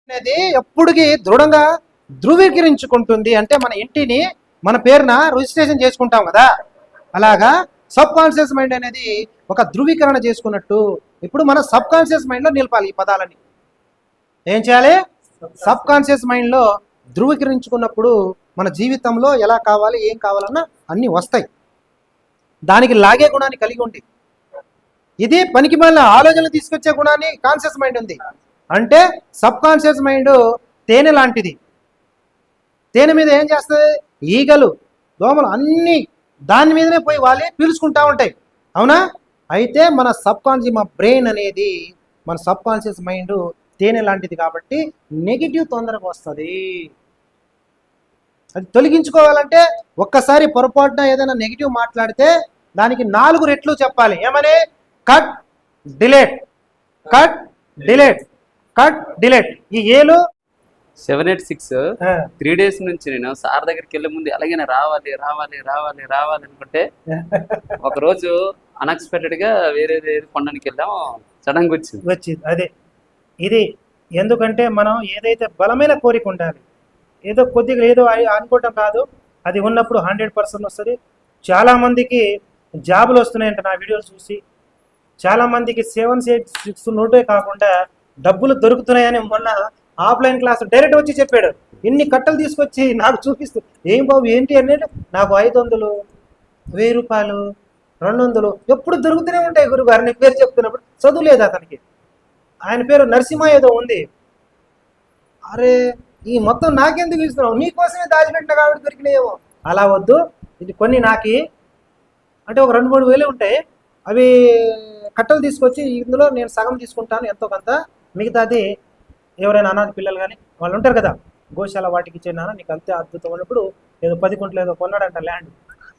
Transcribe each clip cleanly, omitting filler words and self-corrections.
అనేది ఎప్పుడుకి దృఢంగా ధృవీకరించుకుంటుంది. అంటే మన ఇంటిని మన పేరున రిజిస్ట్రేషన్ చేసుకుంటాం కదా, అలాగా సబ్ కాన్షియస్ మైండ్ అనేది ఒక ధృవీకరణ చేసుకున్నట్టు ఇప్పుడు మన సబ్ కాన్షియస్ మైండ్లో నిలపాలి ఈ పదాలని. ఏం చేయాలి? సబ్ కాన్షియస్ మైండ్లో ధృవీకరించుకున్నప్పుడు మన జీవితంలో ఎలా కావాలి ఏం కావాలన్నా అన్నీ వస్తాయి. దానికి లాగే గుణాన్ని కలిగి ఉంది. ఇది పనికి మళ్ళీ ఆలోచనలు తీసుకొచ్చే గుణాన్ని కాన్షియస్ మైండ్ ఉంది. అంటే సబ్ కాన్షియస్ మైండ్ తేనె లాంటిది. తేనె మీద ఏం చేస్తుంది? ఈగలు, దోమలు అన్నీ దాని మీదనే పోయి వాలి పీల్చుకుంటా ఉంటాయి, అవునా? అయితే మన సబ్ కాన్షియస్, మా బ్రెయిన్ అనేది, మన సబ్ కాన్షియస్ మైండ్ తేనె లాంటిది కాబట్టి నెగిటివ్ తొందరగా వస్తుంది. అది తొలగించుకోవాలంటే ఒక్కసారి పొరపాటున ఏదైనా నెగిటివ్ మాట్లాడితే దానికి 4 రెట్లు చెప్పాలి. ఏమని? Cut delete, cut delete, cut delete. ఈ ఏలు 786 3 days నుంచి నేను సార్ దగ్గరికి వెళ్ళే ముందు అలాగే రావాలి రావాలి రావాలి రావాలి అనుకుంటే ఒక రోజు అన్ఎక్స్పెక్టెడ్ గా వేరే కొండనికి వెళ్ళాం, సడన్ గా వచ్చింది. అదే ఇది. ఎందుకంటే మనం ఏదైతే బలమైన కోరిక ఉండాలి, ఏదో కొద్దిగా ఏదో అనుకోవటం కాదు, అది ఉన్నప్పుడు 100% వస్తుంది. చాలామందికి జాబులు వస్తున్నాయంట నా వీడియోలు చూసి. చాలామందికి 786 నోటే కాకుండా డబ్బులు దొరుకుతున్నాయని మొన్న ఆఫ్లైన్ క్లాస్ డైరెక్ట్ వచ్చి చెప్పాడు. ఇన్ని కట్టలు తీసుకొచ్చి నాకు చూపిస్తూ, ఏం బాబు ఏంటి అనేది, నాకు 500, 1000 రూపాయలు, 200 ఎప్పుడు దొరుకుతూనే ఉంటాయి గురుగారు. నీ పేరు చెప్తున్నప్పుడు చదువు లేదు అతనికి. ఆయన పేరు నరసింహ ఏదో ఉంది. అరే ఈ మొత్తం నాకెందుకు ఇస్తున్నావు, నీకోసమే దాచిపెట్టిన కాబట్టి దొరికినాయేమో. అలా వద్దు, ఇది కొన్ని నాకి అంటే ఒక 2-3 వేలు ఉంటాయి, అవి కట్టలు తీసుకొచ్చి ఇందులో నేను సగం తీసుకుంటాను ఎంతో కొంత, మిగతాది ఎవరైనా అనాథ పిల్లలు కానీ వాళ్ళు ఉంటారు కదా, గోశాల వాటికి ఇచ్చే నాన్న నీకు అంతే అద్భుతం అన్నప్పుడు ఏదో 10 గుంటలు ఏదో కొన్నాడంట ల్యాండ్.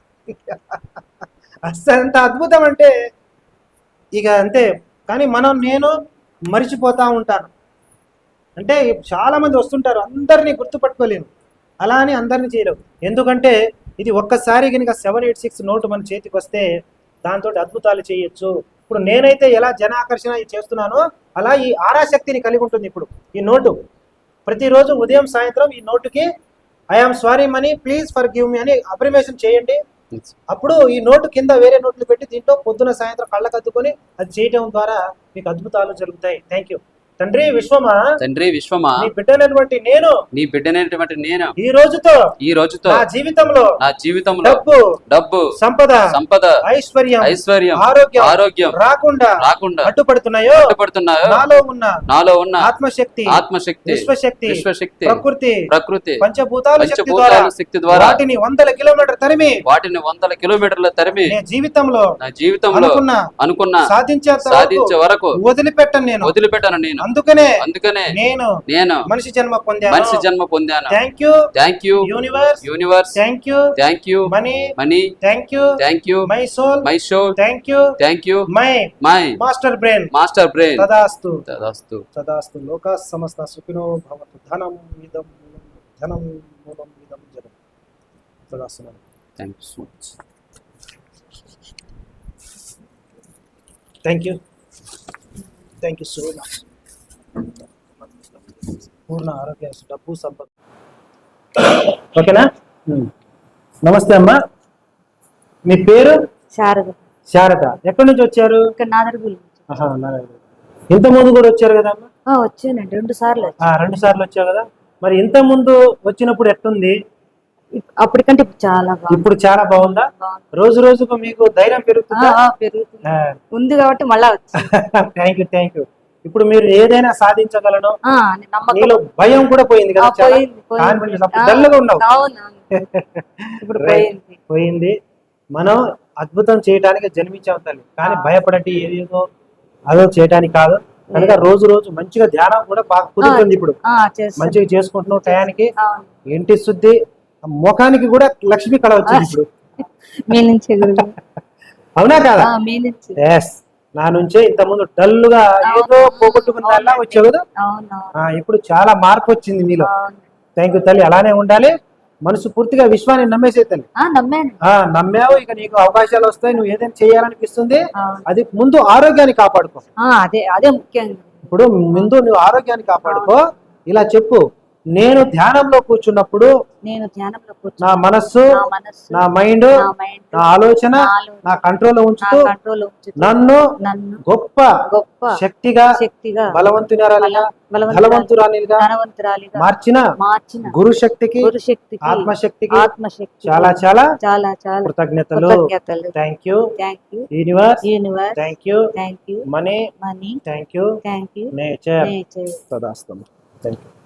అసలు ఎంత అద్భుతం అంటే ఇక అంతే. కానీ నేను మరిచిపోతూ ఉంటాను. అంటే చాలామంది వస్తుంటారు, అందరినీ గుర్తుపట్టుకోలేను, అలా అని అందరినీ చేయలేవు. ఎందుకంటే ఇది ఒక్కసారి కనుక 786 నోటు మన చేతికి వస్తే దాంతో అద్భుతాలు చేయొచ్చు. ఇప్పుడు నేనైతే ఎలా జన ఆకర్షణ చేస్తున్నానో అలా ఈ ఆరాశక్తిని కలిగి ఉంటుంది. ఇప్పుడు ఈ నోటు ప్రతిరోజు ఉదయం సాయంత్రం ఈ నోటుకి I am sorry money please for give me అని అప్రిమేషన్ చేయండి. అప్పుడు ఈ నోటు కింద వేరే నోట్లు పెట్టి దీంట్లో పొద్దున సాయంత్రం కళ్ళకద్దుకొని అది చేయడం ద్వారా మీకు అద్భుతాలు జరుగుతాయి. Thank you. తండ్రి విశ్వమా, తండ్రి విశ్వమా, నీ బిడ్డనటువంటి నేను, నీ బిడ్డనటువంటి నేను ఈ రోజుతో నా జీవితంలో డబ్బు, డబ్బు, సంపద, ఐశ్వర్యం, ఆరోగ్యం రాకుండా అడ్డుపడుతున్నాయో నాలో ఉన్న ఆత్మశక్తి, విశ్వశక్తి, ప్రకృతి పంచభూతాల శక్తి ద్వారా వాటిని 100 కిలోమీటర్ల తరిమి నా జీవితంలో అనుకున్న సాధించే వరకు వదిలిపెట్టను నేను. అందుకనే నేను మనిషి జన్మ పొందాను. Thank you universe, thank you money, thank you my soul, thank you my master brain. తదాస్తు లోకా సమస్త సుఖినో భవంతు. ధనం ఇదం మూలం ఇదం జనం. తదాస్తు. Thank you so much. Thank you so much. పూర్ణ ఆరోగ్య, డబ్బు, సంపద. ఓకేనా? నమస్తే అమ్మా, మీ పేరు? శారద. ఎక్కడి నుంచి వచ్చారు? ఇంత ముందు కూడా వచ్చారు కదా అమ్మా? వచ్చానండి 2 సార్లు. 2 సార్లు వచ్చావు కదా. మరి ఇంత ముందు వచ్చినప్పుడు ఎట్లుంది? అప్పటికంటే ఇప్పుడు చాలా బాగుందా? రోజు రోజుకు మీకు ధైర్యం పెరుగుతుందా? ఉంది కాబట్టి మళ్ళా వచ్చి. Thank you. ఇప్పుడు మీరు ఏదైనా సాధించగలను, నీలో భయం కూడా పోయింది కదా, డల్గా ఉన్నావు. పోయింది. మనం అద్భుతం చేయడానికి జన్మించాం తల్లి, కానీ భయపడండి ఏదేదో అదో చేయడానికి కాదు. కనుక రోజు రోజు మంచిగా ధ్యానం కూడా బాగా కుదురుతుంది. ఇప్పుడు మంచిగా చేసుకుంటున్నావు టయానికి. ఇంటి శుద్ధి, ముఖానికి కూడా లక్ష్మి కళ వచ్చింది ఇప్పుడు. అవునా కాదా? నా నుంచే ఇంత ముందు డల్లుగా ఏదో పోగొట్టుకున్న వచ్చావు కదా, ఇప్పుడు చాలా మార్పు వచ్చింది మీలో. థ్యాంక్ యూ తల్లి. అలానే ఉండాలి. మనసు పూర్తిగా విశ్వాన్ని నమ్మేసే తల్లి. నమ్మావు, ఇక నీకు అవకాశాలు వస్తాయి. నువ్వు ఏదైనా చేయాలనిపిస్తుంది. అది ముందు ఆరోగ్యాన్ని కాపాడుకో. అదే ముఖ్యంగా. ఇప్పుడు ముందు నువ్వు ఆరోగ్యాన్ని కాపాడుకో, ఇలా చెప్పు, నేను ధ్యానంలో కూర్చున్నప్పుడు నేను ధ్యానంలో కూర్చుని నా మనస్సు, నా మనస్సు, నా మైండ్, నా మైండ్, నా ఆలోచన నా ఆలోచన నా కంట్రోల్లో నా ఉంచుతూ కంట్రోల్ ఉంచుతూ నన్ను నన్ను గొప్ప గొప్ప శక్తిగా శక్తిగా బలవంతురాలిగా ధనవంతురాలిగా ధనవంతురాలిగా మార్చిన మార్చిన గురు శక్తికి, గురుశక్తికి ఆత్మశక్తికి ఆత్మశక్తి చాలా చాలా చాలా చాలా కృతజ్ఞతలు. కృతజ్ఞతలు. Thank you thank you universe, universe, thank you thank you money, money, thank you thank you nature. Nature. తదాస్తు. Thank you.